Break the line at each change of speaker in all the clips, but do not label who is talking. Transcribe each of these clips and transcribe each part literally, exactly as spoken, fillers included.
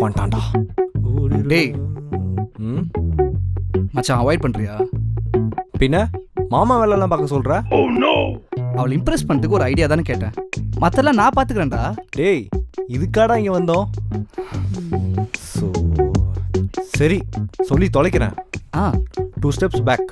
வந்துட்டான்டா.
டேய்
ம்
மச்சான் அவாய்ட் பண்ணுறியா?
பின்ன மாமா வேலைலாம் பார்க்க சொல்கிற?
அவளை இம்ப்ரெஸ் பண்ணுறதுக்கு ஒரு ஐடியா தானே கேட்டேன். மற்றெல்லாம் நான் பார்த்துக்கிறேன்டா.
டேய் இதுக்காடா இங்கே வந்தோம்? ஸோ சரி சொல்லி தொலைக்கிறேன்.
Uh
two steps back.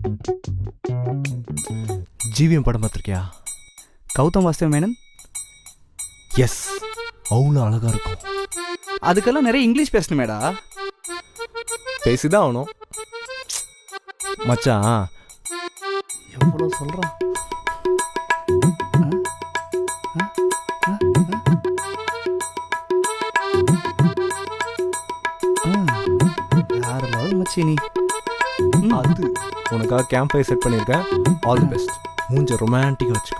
GVM படம் பார்த்துருக்கியா?
கௌதம் வாசுதேவ் மேனன்.
எஸ், அவ்வளோ அழகாக இருக்கும்.
அதுக்கெல்லாம் நிறைய இங்கிலீஷ் பேசணுமேடா.
பேசிதான் ஆகணும் மச்சான்.
எவ்வளோ சொல்கிறான். யார் லவ் மச்சி நீ?
அது உனக்காக கேம்ப் ஃபயர் செட் பண்ணியிருக்கேன். All the best. மூஞ்ச ரொமான்டிக்காக வச்சுக்கோ.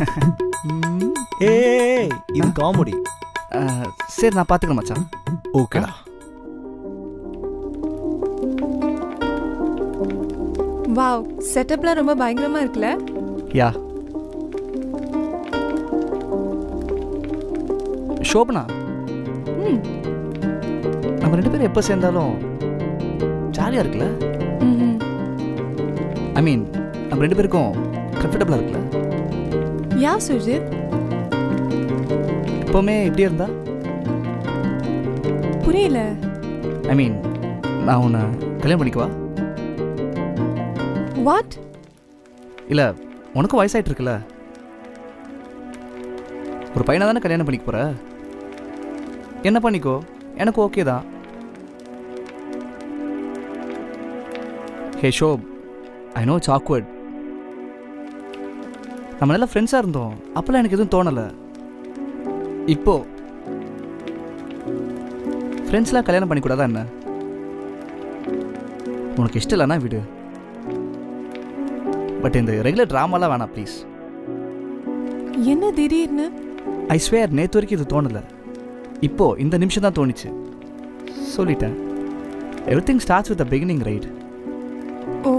ஏய் இது காமெடி.
சரி நான் பார்த்துக்கிறேன் மச்சான்.
ஓகேடா.
வாவ், செட்டப்லாம் ரொம்ப பயங்கரமா இருக்குல்ல?
யா. ஷோபனா,
ம்
நம்ம ரெண்டு பேரும் எப்போ சேர்ந்தாலும் ஜாலியாக இருக்குல்ல?
ம்
ஐ மீன் நம்ம ரெண்டு பேருக்கும் கம்ஃபர்டபுளாக இருக்குல்ல?
யா சுஜித்,
எப்போவுமே இப்படியே இருந்தா?
புரியல.
ஐ மீன் நான் உன்னை கல்யாணம் பண்ணிக்குவா?
வாட்?
இல்லை உனக்கும் வயசாயிட்டு இருக்குல்ல, ஒரு பையனை தானே கல்யாணம் பண்ணிக்க போற. என்ன பண்ணிக்கோ, எனக்கு ஓகே தான். Hey Shob, I know it's awkward. நம்ம நல்லா ஃப்ரெண்ட்ஸாக இருந்தோம், அப்போல்லாம் எனக்கு எதுவும் தோணலை. இப்போ ஃப்ரெண்ட்ஸ்லாம் கல்யாணம் பண்ணிக்கூடாதா என்ன? உனக்கு இஷ்டம் இல்லைன்னா விடு. பட் இந்த ரெகுலர் ட்ராமாலாம் வேணாம் ப்ளீஸ்.
என்ன திடீர்னு?
ஐ ஸ்வேர் நேற்று வரைக்கும் இது தோணலை, இப்போ இந்த நிமிஷம் தான் தோணிச்சு. சொல்லிட்டேன். Everything starts with the beginning, right?
Oh,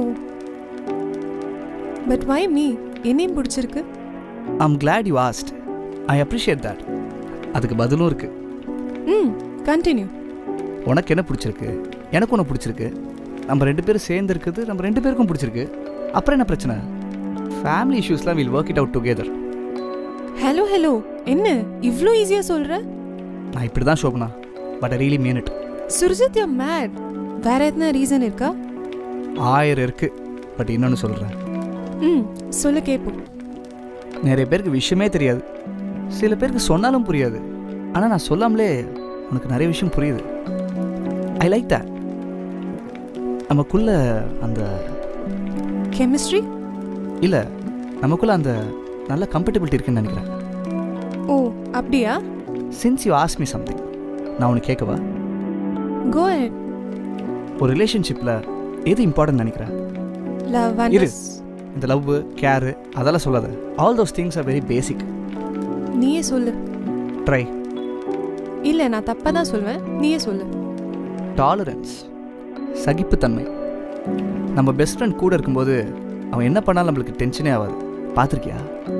but why me? என்னையும் பிடிச்சிருக்கு.
I am glad you asked. I appreciate that. அதுக்கு பதிலும் இருக்கு.
ம் கண்டினியூ.
உனக்கு என்ன பிடிச்சிருக்கு, எனக்கு ஒன்று பிடிச்சிருக்கு. நம்ம ரெண்டு பேரும் சேர்ந்து இருக்குது நம்ம ரெண்டு பேருக்கும் பிடிச்சிருக்கு. அப்புறம் என்ன பிரச்சனை? ஃபேமிலி இஷ்யூஸ்லாம் will work it out together.
Hello hello, என்ன இவ்வளோ ஈஸியாக சொல்கிற?
நான் இப்படி தான் Shobana, but I really mean it.
Surjith, you mad. வேற எதுனா ரீசன் இருக்கா?
ஆயிரம் இருக்கு, பட் இன்னொன்று சொல்கிறேன்.
ம் சொல்லு கேட்போம்.
நிறைய பேருக்கு விஷயமே தெரியாது, சில பேருக்கு சொன்னாலும் புரியாது. ஆனால் நான் சொல்லாமலே உனக்கு நிறைய விஷயம் புரியுது. I like that. நமக்குள்ள அந்த
கெமிஸ்ட்ரி
இல்லை, நமக்குள்ள அந்த நல்ல கம்ஃபர்டபிலிட்டி இருக்குன்னு நினைக்கிறேன்.
ஓ அப்படியா?
Since you ask me something, நான் உனக்கு கேட்கவா?
Go ahead.
ஒரு ரிலேஷன்ஷிப்பில் எது இம்பார்ட்டன்ட் நினைக்கிறேன்?
லவ்
இரு,
அண்ட்
இந்த லவ் கேரு அதெல்லாம் சொல்லாத. All those things are very basic.
நீயே சொல்லு.
ட்ரை.
இல்லை நான் தப்பாக தான் சொல்வேன், நீயே சொல்லு.
டாலரன்ஸ், சகிப்புத்தன்மை. நம்ம பெஸ்ட் ஃப்ரெண்ட் கூட இருக்கும்போது அவன் என்ன பண்ணாலும் நம்மளுக்கு டென்ஷனே ஆகாது. பார்த்துருக்கியா?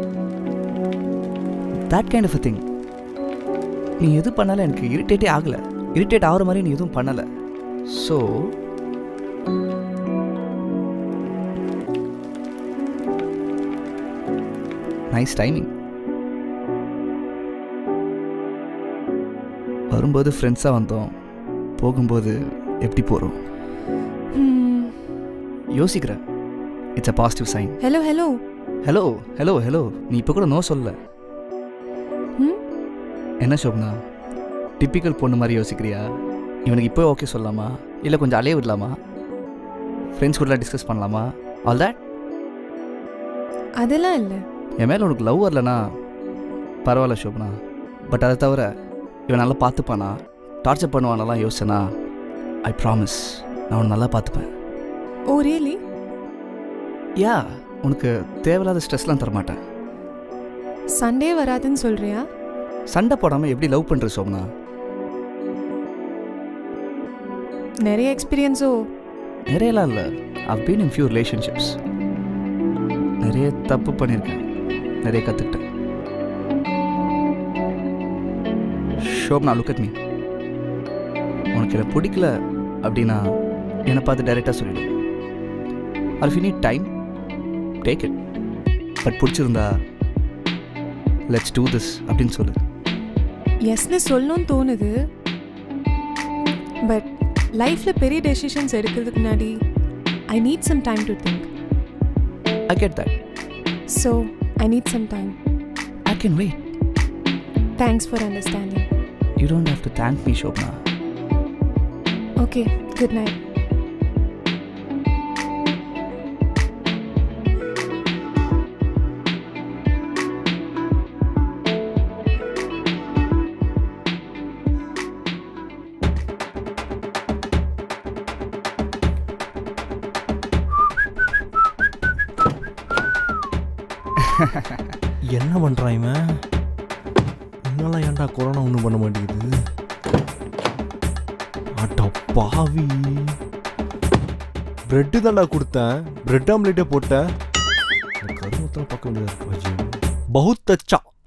That kind of a thing. நீ எது பண்ணாலும் எனக்கு இரிட்டேட்டே ஆகலை, இரிட்டேட் ஆகிற மாதிரி நீ எதுவும் பண்ணலை. So nice timing. வரும்போது ஃப்ரெண்ட்ஸாக வந்தோம், போகும்போது எப்படி போகிறோம் யோசிக்கிறேன். It's a positive sign.
Hello hello
hello hello hello நீ இப்போ கூட நோ சொல்ல.
ம்
என்ன ஷோப்னா, டிப்பிக்கல் பொண்ணு மாதிரி யோசிக்கிறியா? இவனுக்கு இப்போ ஓகே சொல்லலாமா, இல்லை கொஞ்சம் அலைய விடலாமா, ஃப்ரெண்ட்ஸ் கூடலாம் டிஸ்கஸ் பண்ணலாமா? All that.
அதெல்லாம் இல்லை.
என் மேலே உனக்கு லவ் வரலனா பரவாயில்ல ஷோப்னா, பட் அதை தவிர இவன் நல்லா பார்த்துப்பானா, டார்ச்சர் பண்ணுவானெல்லாம் யோசிச்சனா, ஐ ப்ராமிஸ் நான் உன்னை நல்லா பார்த்துப்பேன்.
ஓ ரியலி?
யா, உனக்கு தேவையில்லாத ஸ்ட்ரெஸ்லாம் தரமாட்டேன்.
சண்டே வராதுன்னு சொல்றியா?
சண்டை போடாமல் எப்படி லவ் பண்ணுற சோம்னா?
நிறைய எக்ஸ்பீரியன்ஸோ?
நிறையலாம் இல்லை, I've been in few relationships. நிறைய தப்பு பண்ணியிருக்கேன், நிறைய கற்றுக்கிட்டேன். Shobana, look at me. உனக்கு என்னை பிடிக்கல அப்படின்னா என்னை பார்த்து டைரெக்டாக சொல்லிடு. Or if you need time take it. But பிடிச்சிருந்தா லெட்ஸ் டூ திஸ் அப்படின்னு சொல்லு.
எஸ்னு சொல்லணும்னு தோணுது. பட் லைஃப்பில் பெரிய டெசிஷன்ஸ் எடுக்கிறதுக்கு முன்னாடி I need some time to think.
I get that.
So I need some time.
I can wait.
Thanks for understanding.
You don't have to thank me Shobana.
Okay, good night.
என்ன பண்ணுறான் இவன்? இன்னெல்லாம் ஏன்டா corona ஒன்றும் பண்ண மாட்டேங்குது? அட பாவி, பிரெட்டு தான்டா கொடுத்தேன், பிரெட் ஆம்லேட்டே போட்டேன். கருமத்தில் பார்க்க முடியாது. பகுத் அச்சா.